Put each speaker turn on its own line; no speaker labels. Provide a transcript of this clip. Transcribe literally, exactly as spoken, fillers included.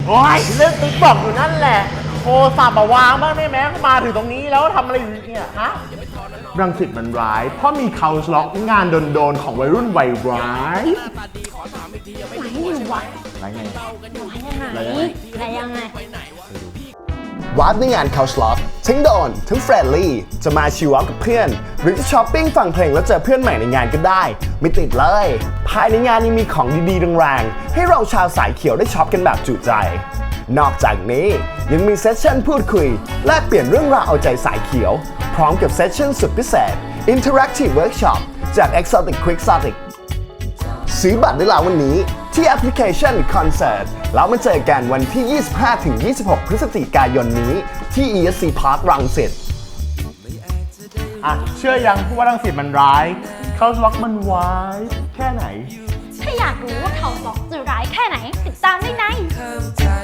โอ้ยเรื่องติ๊กบอกอยู่นั่นแหละโทรศัพท์มาวางบ้างได้ไหมมาถึงตรงนี้แล้วทำอะไรอยู่เนี่ยฮะรังสิตมันร้ายเพราะมีเคาน์ล็อกงานโดนๆของวัยรุ่นวัยร้าย
ไหนอยู่วะ
ไรไง
ไหนไหนยังไง
วาร์ปในงาน Couch Loft ทั้งโดนทั้งเฟรนลี่จะมาชิลเอาท์กับเพื่อนหรือจะช้อปปิ้งฟังเพลงแล้วเจอเพื่อนใหม่ในงานก็ได้ไม่ติดเลยภายในงานยังมีของดีๆแรงๆให้เราชาวสายเขียวได้ช็อปกันแบบจุใจนอกจากนี้ยังมีเซสชั่นพูดคุยแลกเปลี่ยนเรื่องราวเอาใจสายเขียวพร้อมกับเซสชั่นสุดพิเศษ Interactive Workshop จาก Exotic Quixotic ซื้อบัตรได้แล้ววันนี้ที่แอปพลิเคชัน Concert แล้วมาเจอกันวันที่ ยี่สิบห้าถึงยี่สิบหก พฤศจิกายนนี้ที่ อี เอส ซี Park รังสิต
อ่ะเชื่อยังว่ารังสิตมันร้ายเคาน์ล็อกมันวายแค่ไหน
ถ้าอยากรู้ว่าเขาล็อกจะร้ายแค่ไหนติดตามได้ใน